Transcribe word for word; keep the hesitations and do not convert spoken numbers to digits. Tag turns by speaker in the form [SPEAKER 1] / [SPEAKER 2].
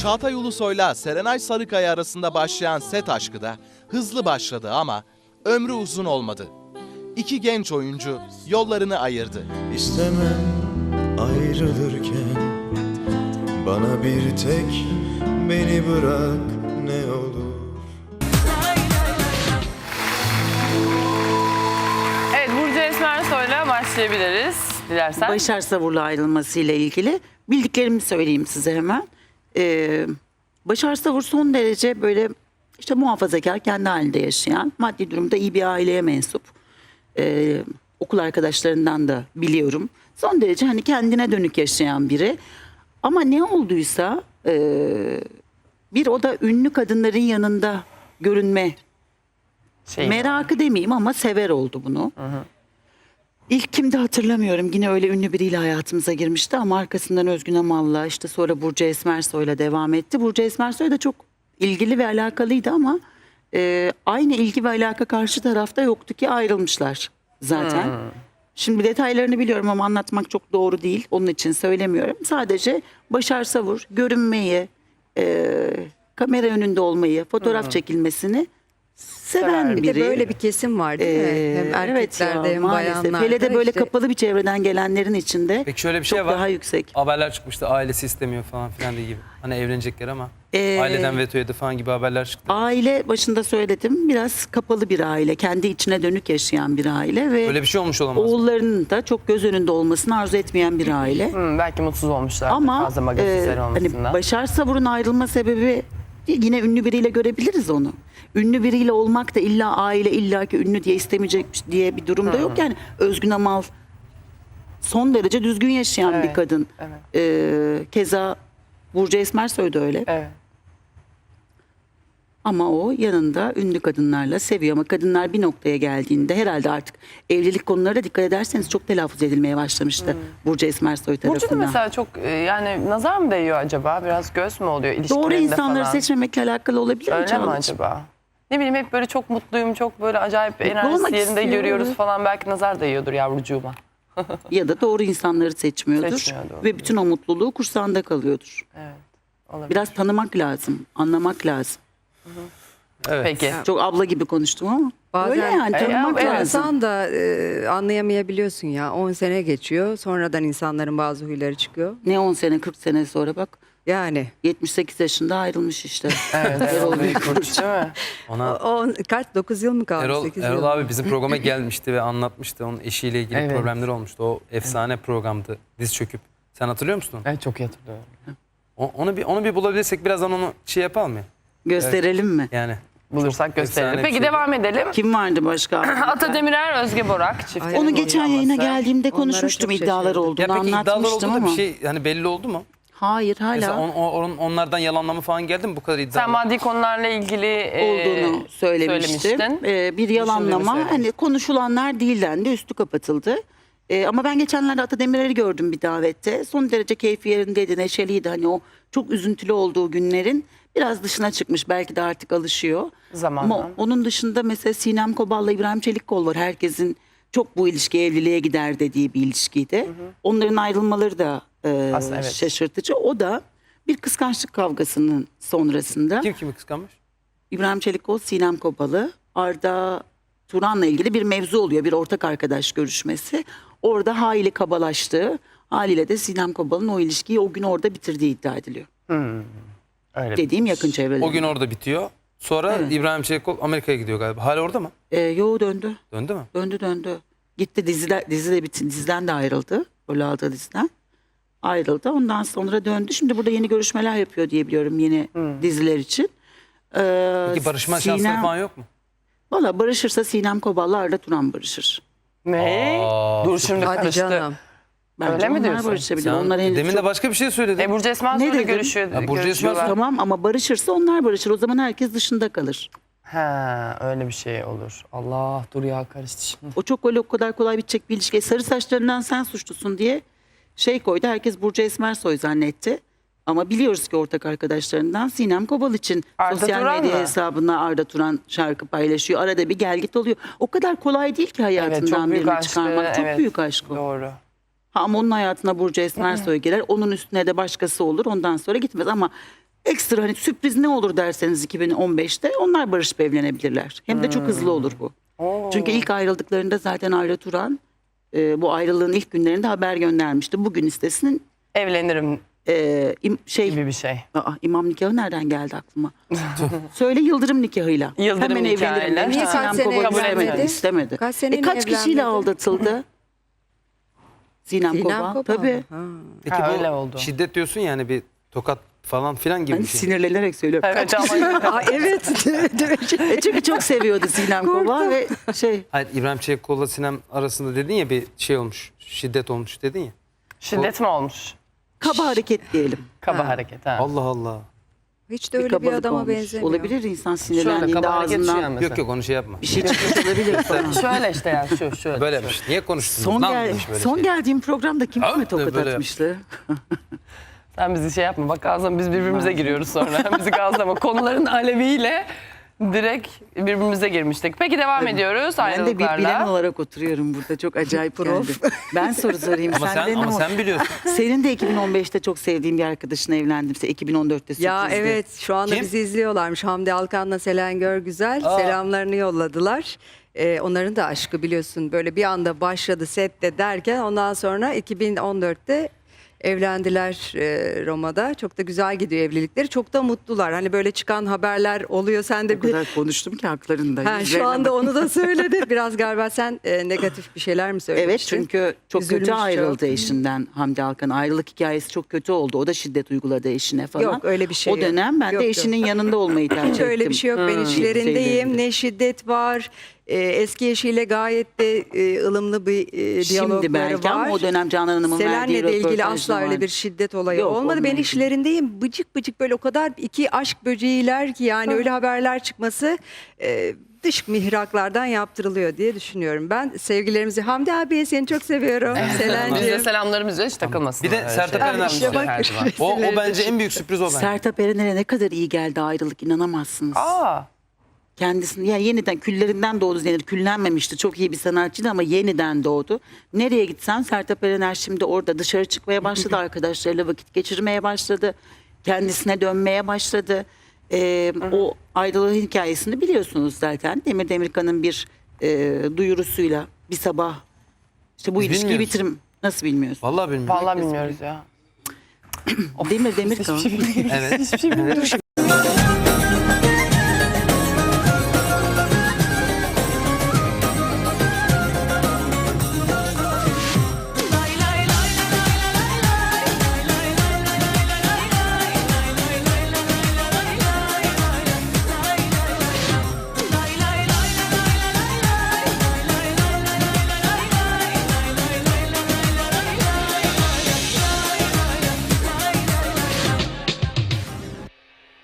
[SPEAKER 1] Çağatay Ulusoy'la Serenay Sarıkaya arasında başlayan set aşkı da hızlı başladı ama ömrü uzun olmadı. İki genç oyuncu yollarını ayırdı.
[SPEAKER 2] İstemem ayrılırken bana bir tek beni bırak ne olur.
[SPEAKER 3] Evet, Burcu Esmersoy'la başlayabiliriz dilersen.
[SPEAKER 4] Başar Savur'la ayrılmasıyla ilgili bildiklerimi söyleyeyim size hemen. Ee, Başar Savur son derece böyle işte muhafazakar, kendi halinde yaşayan, maddi durumda iyi bir aileye mensup. Ee, okul arkadaşlarından da biliyorum. Son derece hani kendine dönük yaşayan biri. Ama ne olduysa e, bir o da ünlü kadınların yanında görünme
[SPEAKER 3] Şey,
[SPEAKER 4] merakı demeyeyim ama sever oldu bunu.
[SPEAKER 3] Hı hı.
[SPEAKER 4] İlk kimdi hatırlamıyorum. Yine öyle ünlü biriyle hayatımıza girmişti ama arkasından Özgün Amal'la işte sonra Burcu Esmersoy'la devam etti. Burcu Esmersoy da çok ilgili ve alakalıydı ama e, aynı ilgi ve alaka karşı tarafta yoktu ki ayrılmışlar zaten.
[SPEAKER 3] Hmm.
[SPEAKER 4] Şimdi detaylarını biliyorum ama anlatmak çok doğru değil. Onun için söylemiyorum. Sadece Başar Savur görünmeyi, e, kamera önünde olmayı, fotoğraf çekilmesini seven
[SPEAKER 3] Sever.
[SPEAKER 4] biri.
[SPEAKER 5] Bir de böyle bir kesim var değil mi?
[SPEAKER 4] Ee,
[SPEAKER 5] Hem erkeklerde
[SPEAKER 4] evet ya,
[SPEAKER 5] hem
[SPEAKER 4] maalesef.
[SPEAKER 5] bayanlarda.
[SPEAKER 4] Hele de böyle
[SPEAKER 5] işte
[SPEAKER 4] kapalı bir çevreden gelenlerin içinde
[SPEAKER 6] Peki şöyle bir
[SPEAKER 4] çok
[SPEAKER 6] şey var.
[SPEAKER 4] daha yüksek.
[SPEAKER 6] Haberler çıkmıştı, ailesi istemiyor falan filan diye gibi. Hani evlenecekler ama
[SPEAKER 4] Ee,
[SPEAKER 6] aileden veto yedi falan gibi haberler çıktı.
[SPEAKER 4] Aile başında söyledim biraz kapalı bir aile. Kendi içine dönük yaşayan bir aile ve
[SPEAKER 6] Öyle bir şey olmuş olamaz mı?
[SPEAKER 4] oğullarının da çok göz önünde olmasını arzu etmeyen bir aile.
[SPEAKER 3] Hmm, belki mutsuz olmuşlar
[SPEAKER 4] Ama
[SPEAKER 3] fazla
[SPEAKER 4] e,
[SPEAKER 3] magazinsel
[SPEAKER 4] hani
[SPEAKER 3] olmasından.
[SPEAKER 4] Başar Savur'un ayrılma sebebi yine ünlü biriyle görebiliriz onu. Ünlü biriyle olmak da illa aile illaki ünlü diye istemeyecek diye bir durumda yok. Yani Özgün Amal son derece düzgün yaşayan
[SPEAKER 3] Evet,
[SPEAKER 4] bir kadın.
[SPEAKER 3] evet.
[SPEAKER 4] Ee, keza Burcu Esmersoy da öyle.
[SPEAKER 3] Evet.
[SPEAKER 4] Ama o yanında ünlü kadınlarla seviyor. Ama kadınlar bir noktaya geldiğinde herhalde artık evlilik konularına dikkat ederseniz çok telaffuz edilmeye başlamıştı. Burcu Esmersoy
[SPEAKER 3] Burcu da
[SPEAKER 4] tarafından.
[SPEAKER 3] mesela çok e, yani nazar mı değiyor acaba? Biraz göz mü oluyor ilişkilerinde
[SPEAKER 4] Doğru insanları
[SPEAKER 3] falan?
[SPEAKER 4] seçmemekle alakalı olabilir mi
[SPEAKER 3] Öyle mi
[SPEAKER 4] Çağla'cığım?
[SPEAKER 3] acaba? Ne bileyim hep böyle çok mutluyum, çok böyle acayip
[SPEAKER 4] Mutlu
[SPEAKER 3] enerjisi
[SPEAKER 4] olmak
[SPEAKER 3] yerinde
[SPEAKER 4] istiyor,
[SPEAKER 3] görüyoruz
[SPEAKER 4] evet.
[SPEAKER 3] falan. Belki nazar değiyordur yavrucuğuma.
[SPEAKER 4] Ya da doğru insanları seçmiyordur.
[SPEAKER 3] Seçmiyor, doğru.
[SPEAKER 4] Ve bütün o mutluluğu kursağında kalıyordur.
[SPEAKER 3] Evet. Olabilir.
[SPEAKER 4] Biraz tanımak lazım, anlamak lazım.
[SPEAKER 6] Evet.
[SPEAKER 3] Peki.
[SPEAKER 4] Çok abla gibi konuştum ama
[SPEAKER 5] Bazen-
[SPEAKER 4] öyle yani
[SPEAKER 3] E,
[SPEAKER 4] tanımak
[SPEAKER 3] evet,
[SPEAKER 4] lazım.
[SPEAKER 5] İnsan da e, anlayamayabiliyorsun ya. on sene geçiyor. Sonradan insanların bazı huyları çıkıyor.
[SPEAKER 4] Ne on sene kırk sene sonra bak
[SPEAKER 5] Yani
[SPEAKER 4] yetmiş sekiz yaşında ayrılmış işte.
[SPEAKER 3] Evet,
[SPEAKER 4] Erol
[SPEAKER 3] Erol Büyükburç değil mi?
[SPEAKER 6] Ona
[SPEAKER 5] o, o kaç dokuz yıl mı kaldı?
[SPEAKER 6] Erol,
[SPEAKER 5] sekiz
[SPEAKER 6] Erol
[SPEAKER 5] yıl.
[SPEAKER 6] abi bizim programa gelmişti ve anlatmıştı. Onun eşiyle ilgili
[SPEAKER 3] Evet.
[SPEAKER 6] problemleri olmuştu. O efsane programdı. Diz çöküp. Sen hatırlıyor musun onu?
[SPEAKER 3] Evet, çok iyi hatırlıyorum.
[SPEAKER 6] O- Onu bir onu bir bulabilirsek birazdan onu şey yapalım mı?
[SPEAKER 4] Gösterelim mi?
[SPEAKER 6] Yani
[SPEAKER 3] Bulursak
[SPEAKER 6] Çok
[SPEAKER 3] gösterelim.
[SPEAKER 6] efsane bir
[SPEAKER 3] Peki
[SPEAKER 6] şeydi.
[SPEAKER 3] devam edelim.
[SPEAKER 4] Kim vardı başka?
[SPEAKER 3] Ata Demirer, Özge Borak çiftinin
[SPEAKER 5] Ay,
[SPEAKER 4] Onu geçen yayına
[SPEAKER 3] boşanması.
[SPEAKER 4] geldiğimde
[SPEAKER 5] Onlara
[SPEAKER 4] konuşmuştum
[SPEAKER 5] çok
[SPEAKER 4] iddialar
[SPEAKER 5] şaşırdım.
[SPEAKER 4] olduğunu
[SPEAKER 6] ya peki iddialar oldu
[SPEAKER 4] anlatmıştım
[SPEAKER 6] da
[SPEAKER 4] ama.
[SPEAKER 6] bir şey hani belli oldu mu?
[SPEAKER 4] Hayır hala
[SPEAKER 6] Mesela on, on- onlardan yalanlama falan geldi mi bu kadar iddia?
[SPEAKER 3] Sen maddi konularla ilgili e,
[SPEAKER 4] olduğunu söylemiştim.
[SPEAKER 3] söylemiştin.
[SPEAKER 4] Ee, bir yalanlama
[SPEAKER 3] söylemiştin.
[SPEAKER 4] hani konuşulanlar değil dendi, üstü kapatıldı. Ee, ama ben geçenlerde Ata Demirer'i gördüm bir davette. Son derece keyfi yerindeydi, neşeliydi. Hani o çok üzüntülü olduğu günlerin biraz dışına çıkmış. Belki de artık alışıyor.
[SPEAKER 3] Zamanla.
[SPEAKER 4] Ama onun dışında mesela Sinem Kobal'la İbrahim Çelikkol var. Herkesin çok bu ilişki evliliğe gider dediği bir ilişkiydi. Onların ayrılmaları da e,
[SPEAKER 3] Aslında evet.
[SPEAKER 4] şaşırtıcı. O da bir kıskançlık kavgasının sonrasında
[SPEAKER 6] Kim kimi kıskanmış?
[SPEAKER 4] İbrahim Çelikkol, Sinem Kobalı, Arda Turan'la ilgili bir mevzu oluyor. Bir ortak arkadaş görüşmesi. Orada hayli kabalaştığı, haliyle de Sinem Kobal'ın o ilişkiyi o gün orada bitirdiği iddia ediliyor.
[SPEAKER 3] Hmm. Öyle.
[SPEAKER 4] Dediğim yakın çevrede.
[SPEAKER 6] O gün orada bitiyor. Sonra
[SPEAKER 4] Evet.
[SPEAKER 6] İbrahim Çelikkol Amerika'ya gidiyor galiba. Hala orada mı?
[SPEAKER 4] Ee, yo döndü.
[SPEAKER 6] Döndü mü?
[SPEAKER 4] Döndü döndü. Gitti diziler, dizi de bitti. Diziden de ayrıldı. Rol aldığı diziden. Ayrıldı. Ondan sonra döndü. Şimdi burada yeni görüşmeler yapıyor diye biliyorum yeni diziler için. Ee,
[SPEAKER 6] Peki barışma
[SPEAKER 4] Sinem-
[SPEAKER 6] şansları falan yok mu?
[SPEAKER 4] Valla barışırsa Sinem Kobal'la Arda Turan barışır.
[SPEAKER 3] Ne?
[SPEAKER 6] Aa,
[SPEAKER 3] Dur şimdi
[SPEAKER 5] Hadi
[SPEAKER 3] karıştı.
[SPEAKER 5] canım.
[SPEAKER 4] Bence
[SPEAKER 3] Öyle mi
[SPEAKER 4] onlar
[SPEAKER 3] diyorsun?
[SPEAKER 4] barışabilir.
[SPEAKER 6] Sen
[SPEAKER 4] Onlar henüz
[SPEAKER 6] demin
[SPEAKER 4] çok-
[SPEAKER 6] de başka bir şey söyledin.
[SPEAKER 3] E, Burcu Esmersoy'la
[SPEAKER 4] Ne dedim?
[SPEAKER 3] görüşüyor.
[SPEAKER 6] Ha, Burcu
[SPEAKER 3] görüşüyorlar.
[SPEAKER 6] Esmersoy-
[SPEAKER 4] Tamam ama barışırsa onlar barışır. O zaman herkes dışında kalır.
[SPEAKER 3] Ha, öyle bir şey olur. Allah dur ya karıştı şimdi.
[SPEAKER 4] O çok öyle o kadar kolay bitecek bir ilişki. E, Sarı saçlarından sen suçlusun diye şey koydu. Herkes Burcu Esmersoy zannetti. Ama biliyoruz ki ortak arkadaşlarından Sinem Kobal için
[SPEAKER 3] Arda
[SPEAKER 4] sosyal
[SPEAKER 3] Turan
[SPEAKER 4] medya
[SPEAKER 3] mı?
[SPEAKER 4] hesabına Arda Turan şarkı paylaşıyor. Arada bir gel git oluyor. O kadar kolay değil ki
[SPEAKER 3] Evet,
[SPEAKER 4] hayatından
[SPEAKER 3] çok büyük
[SPEAKER 4] birini
[SPEAKER 3] aşkı.
[SPEAKER 4] çıkarmak. Çok
[SPEAKER 3] evet.
[SPEAKER 4] büyük aşk o.
[SPEAKER 3] Doğru.
[SPEAKER 4] Ha, ama onun hayatına Burcu Esmersoy girer. Onun üstüne de başkası olur. Ondan sonra gitmez ama Ekstra hani sürpriz ne olur derseniz iki bin on beşte onlar barışıp evlenebilirler. Hem de çok hızlı olur bu. Çünkü ilk ayrıldıklarında zaten Ayla Turan e, bu ayrılığın ilk günlerinde haber göndermişti. Bugün istesinin
[SPEAKER 3] Evlenirim
[SPEAKER 4] e, im- şey
[SPEAKER 3] gibi bir şey.
[SPEAKER 4] Aa, imam nikahı nereden geldi aklıma? Söyle Yıldırım nikahıyla.
[SPEAKER 3] Yıldırım
[SPEAKER 4] Hemen
[SPEAKER 3] nikahıyla.
[SPEAKER 4] evlenirim demiş.
[SPEAKER 5] Niye
[SPEAKER 4] Sinem
[SPEAKER 5] kaç sene
[SPEAKER 4] Kobol
[SPEAKER 5] evlenmedi?
[SPEAKER 4] istemedi. istemedi.
[SPEAKER 5] Kaç sene
[SPEAKER 4] e, kaç kişiyle
[SPEAKER 5] evlenmedi?
[SPEAKER 4] aldatıldı? Sinem,
[SPEAKER 5] Sinem
[SPEAKER 4] Kobal.
[SPEAKER 5] Kobal.
[SPEAKER 4] Tabii.
[SPEAKER 5] Ha.
[SPEAKER 6] Peki
[SPEAKER 3] Ha,
[SPEAKER 6] bu
[SPEAKER 3] öyle oldu.
[SPEAKER 6] şiddet diyorsun yani bir tokat falan filan gibi
[SPEAKER 4] Hani
[SPEAKER 6] bir şey.
[SPEAKER 4] sinirlenerek söylüyorum.
[SPEAKER 3] Evet ama
[SPEAKER 5] Aa, evet.
[SPEAKER 4] E, çünkü çok seviyordu Sinem Kobal ve şey
[SPEAKER 6] Hayır, İbrahim Çelikkol'la Sinem arasında dedin ya bir şey olmuş, şiddet olmuş dedin ya.
[SPEAKER 3] şiddet mi olmuş?
[SPEAKER 4] kaba hareket diyelim.
[SPEAKER 3] Kaba hareket ha.
[SPEAKER 6] Allah Allah.
[SPEAKER 5] Hiç de öyle bir
[SPEAKER 4] kabalık
[SPEAKER 5] adama
[SPEAKER 4] olmuş.
[SPEAKER 5] benzemiyor.
[SPEAKER 4] Olabilir insan
[SPEAKER 3] Şöyle
[SPEAKER 4] sinirlendiğinde
[SPEAKER 3] kaba hareket şu
[SPEAKER 4] ağzından
[SPEAKER 3] yani mesela.
[SPEAKER 6] Yok yok onu şey yapma.
[SPEAKER 4] bir şey çıkmış olabilir falan.
[SPEAKER 3] Şöyle işte yani şu şöyle.
[SPEAKER 6] Böyle yapmış. Niye konuştunuz?
[SPEAKER 4] Son,
[SPEAKER 6] Lan
[SPEAKER 4] gel
[SPEAKER 6] demiş böyle
[SPEAKER 4] son
[SPEAKER 6] şey.
[SPEAKER 4] geldiğim programda kim
[SPEAKER 6] Ha,
[SPEAKER 4] kime tokat
[SPEAKER 6] böyle
[SPEAKER 4] atmıştı?
[SPEAKER 3] Sen bizi şey yapma. Bak ağzına biz birbirimize giriyoruz sonra. Bizi gazlama. Konuların aleviyle direkt birbirimize girmiştik. Peki devam ediyoruz
[SPEAKER 4] Ben de bir bilen
[SPEAKER 3] ayrılıklarla.
[SPEAKER 4] olarak oturuyorum burada. Çok acayip geldi. Ben soru sorayım.
[SPEAKER 6] Ama sen,
[SPEAKER 4] Senden ne
[SPEAKER 6] ama
[SPEAKER 4] oldu?
[SPEAKER 6] sen biliyorsun.
[SPEAKER 4] Senin de iki bin on beşte çok sevdiğin bir arkadaşına evlendimse iki bin on dörtte
[SPEAKER 5] Ya
[SPEAKER 4] sürprizdi.
[SPEAKER 5] evet şu anda
[SPEAKER 6] Kim?
[SPEAKER 5] bizi izliyorlarmış. Hamdi Alkan'la Selen Görgüzel
[SPEAKER 6] Aa.
[SPEAKER 5] selamlarını yolladılar. Ee, onların da aşkı biliyorsun böyle bir anda başladı sette derken ondan sonra iki bin on dörtte evlendiler e, Roma'da. Çok da güzel gidiyor evlilikleri. Çok da mutlular. Hani böyle çıkan haberler oluyor. Sen de
[SPEAKER 4] O
[SPEAKER 5] bir...
[SPEAKER 4] kadar konuştum ki haklarında.
[SPEAKER 5] Ha, şu
[SPEAKER 4] Yüzlerine
[SPEAKER 5] anda
[SPEAKER 4] bak-
[SPEAKER 5] onu da söyledi. Biraz galiba sen e, negatif bir şeyler mi
[SPEAKER 4] Evet
[SPEAKER 5] söylemiştin?
[SPEAKER 4] çünkü çok
[SPEAKER 5] Üzülmüş
[SPEAKER 4] kötü ayrıldı
[SPEAKER 5] çok.
[SPEAKER 4] eşinden Hamdi Alkan. Ayrılık hikayesi çok kötü oldu. O da şiddet uyguladı eşine falan.
[SPEAKER 5] Yok, öyle bir şey
[SPEAKER 4] O
[SPEAKER 5] yok.
[SPEAKER 4] dönem ben
[SPEAKER 5] Yok,
[SPEAKER 4] de
[SPEAKER 5] yok.
[SPEAKER 4] eşinin yanında olmayı tercih
[SPEAKER 5] Hiç
[SPEAKER 4] ettim.
[SPEAKER 5] öyle bir şey yok. Ben içlerindeyim.
[SPEAKER 4] Şeylerinde.
[SPEAKER 5] Ne şiddet var. Ee, eski eşiyle gayet de e, ılımlı bir e, diyalogları
[SPEAKER 4] Şimdi belki
[SPEAKER 5] var.
[SPEAKER 4] ama o dönem Canan Hanım'ın verdiği
[SPEAKER 5] Selen'le de ilgili
[SPEAKER 4] röportajda
[SPEAKER 5] asla öyle
[SPEAKER 4] var.
[SPEAKER 5] bir şiddet olayı
[SPEAKER 4] Yok,
[SPEAKER 5] olmadı. Ben
[SPEAKER 4] onunla
[SPEAKER 5] işlerindeyim. Bıcık bıcık böyle o kadar iki aşk böceğiler ki yani öyle haberler çıkması e, dış mihraklardan yaptırılıyor diye düşünüyorum. Ben sevgilerimizi Hamdi abiye seni çok seviyorum.
[SPEAKER 3] Biz de
[SPEAKER 5] Selen'ciğim.
[SPEAKER 3] selamlarımız hiç takılmasın.
[SPEAKER 6] Bir de
[SPEAKER 3] öyle
[SPEAKER 6] Sertab
[SPEAKER 3] şeyler.
[SPEAKER 6] Erener
[SPEAKER 5] İşte bak.
[SPEAKER 3] Her zaman.
[SPEAKER 6] O, o bence en büyük sürpriz o bence.
[SPEAKER 4] Sertab Erener'e ne kadar iyi geldi ayrılık inanamazsınız.
[SPEAKER 3] Aa,
[SPEAKER 4] Kendisini yani yeniden küllerinden doğdu denir. Küllenmemişti. Çok iyi bir sanatçıydı ama yeniden doğdu. Nereye gitsen Sertab Erener şimdi orada dışarı çıkmaya başladı. Arkadaşlarıyla vakit geçirmeye başladı. Kendisine dönmeye başladı. Ee, o ayrılığın hikayesini biliyorsunuz zaten. Demir Demirkan'ın bir e, duyurusuyla bir sabah işte bu
[SPEAKER 6] Biz
[SPEAKER 4] ilişkiyi
[SPEAKER 6] bilmiyoruz.
[SPEAKER 4] bitirim. Nasıl bilmiyorsun?
[SPEAKER 6] Vallahi bilmiyorum.
[SPEAKER 3] vallahi bilmiyoruz ya.
[SPEAKER 4] Demir Demirkan.
[SPEAKER 6] Evet.